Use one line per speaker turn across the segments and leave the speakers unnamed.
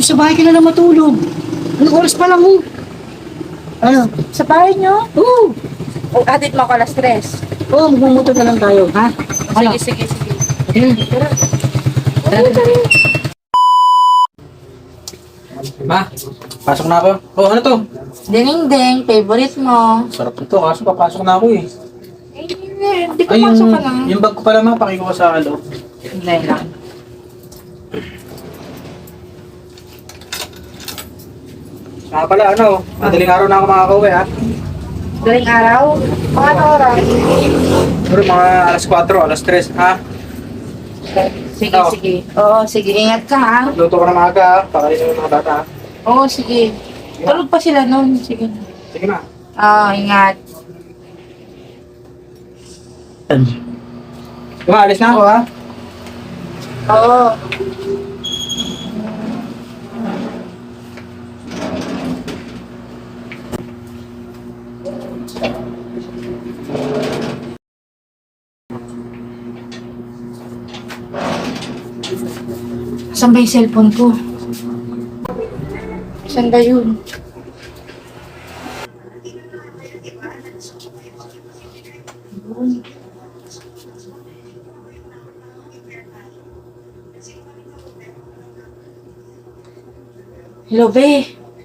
sa bahay ka na lang matulog. Anong oras pa lang mo? Ano?
Sa bahay nyo?
Oo.
O, hatid mo ako alas 3.
Oo, magmumuto na lang tayo, ha? Ano?
Sige.
Ayun.
Ma, pasok na ako. Oh, ano to?
Ding-ding, favorite mo.
Sarap nito, kaso papasok na ako eh.
Hindi ko
Ay,
pasok ka na.
yung bag ko pala ma, pakikuha sa loob.
Hindi lang.
Saka pala, ano, madaling araw na ako makakauwi ha.
Daling araw? Mga ano oras?
Pero mga alas 4, alas 3 ha.
Sige,
Oo.
sige. Oo, sige. Ingat ka, ha?
Luto ko na maaga ha, pakainin yung mga bata ha.
Oo, sige. Tulog pa sila nun. Sige.
Sige na.
Ingat.
Alis na ako ha.
Oo. Saan ba yung cellphone ko? Saan ba yun? Hello, be.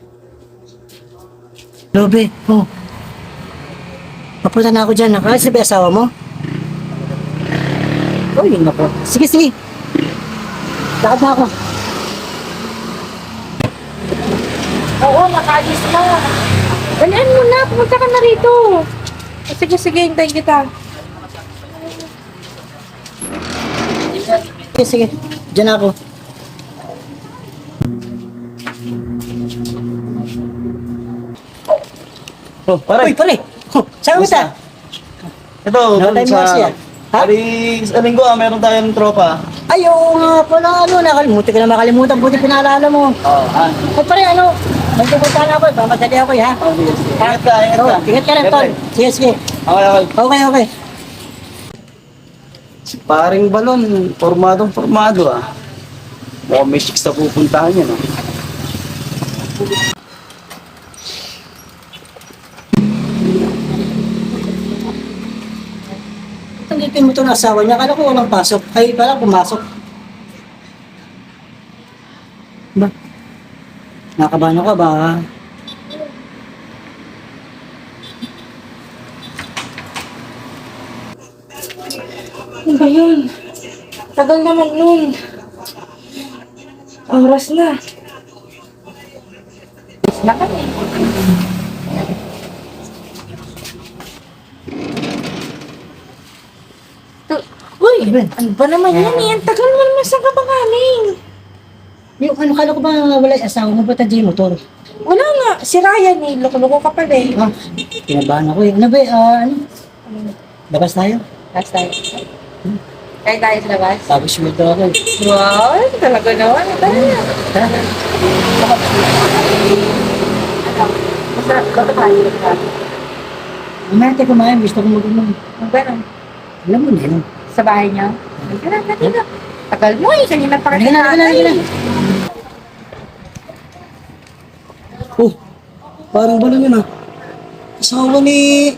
Lobe, oh. Papunta na ako dyan. Nakaalis na ba yung asawa mo? Oh, yun ako. Sige. Lakad na ako.
Oo, nakaalis na. Dalian mo na, pumunta ka na rito. Sige, hintayin kita.
Sige. Diyan ako.
Oh, pare.
Uy, pare! Oh, saan ka ba?
Ito,
Nakatime
dun
mo siya.
sa...
Ha?
Pari, sa linggo meron tayong tropa.
Ay, oo nga pala, nakalimutan ka na makalimutan. Buti pinaalala mo.
Oo.
Ay, pare, may pupuntahan ako. Pamadali ako, ha?
Ingat ka, ingat ka.
Ingat ka rin, tol. Sige.
Okay.
Okay.
Si paring balon, formado ah. Mukhang may chicks na pupuntahan yan ah.
Tanggapin mo ito ng asawa niya. Kala ko walang pasok. Ay, pala pumasok. Ba? Nakabahan ka ba?
Ano ba yun? Tagal naman nun. Oras na. Na kami. Uy, ano ba naman yan eh? Ang tagal mo naman saan ka ba galing?
Yung kala ko ba wala yung asawa mo? Ba't nandiyan yung motor?
Wala nga. Si Ryan eh. Loko-loko ka pala eh.
Ah, kinabahan ako eh. Ano ba, labas tayo?
Last time. Kaya tayo sa labas?
Tapos sweldo ako eh.
Wow, talaga naman. Tara na.
Ha?
Masarap ba ito tayo?
Mamaya tayo kumain. Gusto ko mag-unom.
Ang gano'n?
Alam mo na yun.
Sa bahay niyo? Tara. Tagal mo eh. Kanina pa
Halika na.
Oh, parang balon yun ah. Asawa ni...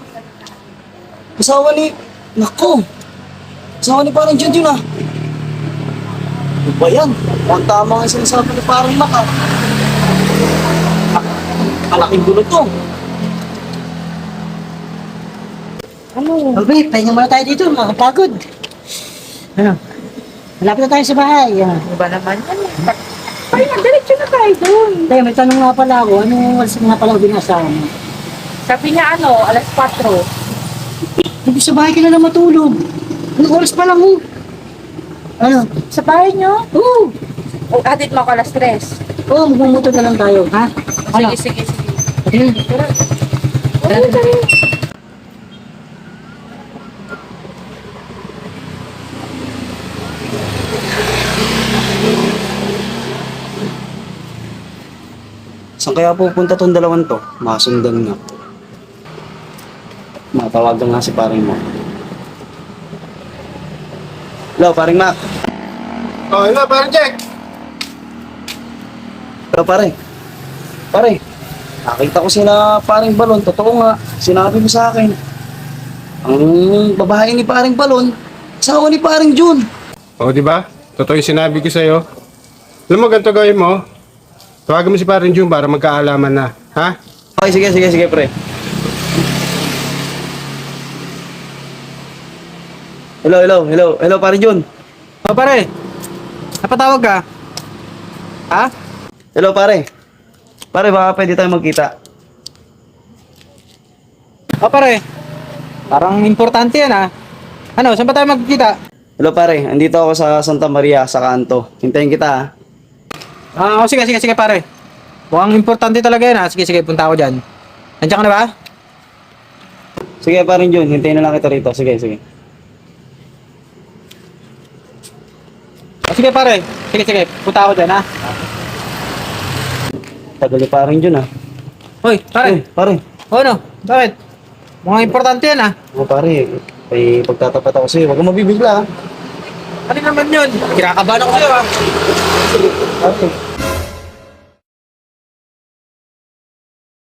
Nako! Asawa ni parang Jun yun ah. Ano ba yan? Ang tama nga sinasabi ni parang Mac ah. Kalaking gulo to.
Ano?
Okay, pahinga muna tayo dito. Makapagod. Ano? Malapit na tayo sa bahay.
Ano ba naman yan? Ay, diretso na tayo dun.
Tayo, may tanong nga pala ako. Anong oras nga pala binasa mo?
Sabi niya ano, alas 4.
Hindi sa bahay ka na lang matulog. Anong oras pa lang mo? Ano?
Sa bahay niyo?
Oo.
O, hatid mo ako alas 3.
Oo, magmumuto na lang tayo. Ha? Ano?
Sige.
Ayun.
Tara.
Saan kaya pupunta tong dalawang to? Masundan nga. Matawagan nga si paring Mac. Hello, paring Mac.
Oh, hello, parang Jack.
Pero pare, nakita ko sila paring balon. Totoo nga, sinabi mo sa akin. Ang babae ni paring balon, asawa ni paring Jun.
O, di ba? Totoo yung sinabi ko sa'yo. Alam mo, ganito gawin mo. Tawagan mo si Parin Jun para magkaalaman na. Ha?
Okay, sige, pre. Hello, paring Jun.
O pare, napatawag ka? Ha?
Hello, pare. Pare, baka pwede tayo magkita.
O pare, parang importante yan ha. Ano, saan ba tayo magkikita?
Hello, pare. Andito ako sa Santa Maria, sa kanto. Hintayin kita, ha?
O sige pare. Mukhang importante talaga yan ha. Sige, punta ako dyan. Nandiyan ka na ba?
Sige, paring Jun. Hintayin na lang kita rito. Sige.
O sige pare, sige. Punta ako dyan ha.
Tagal ni paring Jun, ha?
Hoy, pare.
Pare.
O ano? Bakit? Mukhang importante yan ha.
Pare. Ay, pagtatapat ako sa'yo. Huwag kang mabibigla, ha?
Ano naman yun? Kinakabahan ako sa'yo ha.
Pare.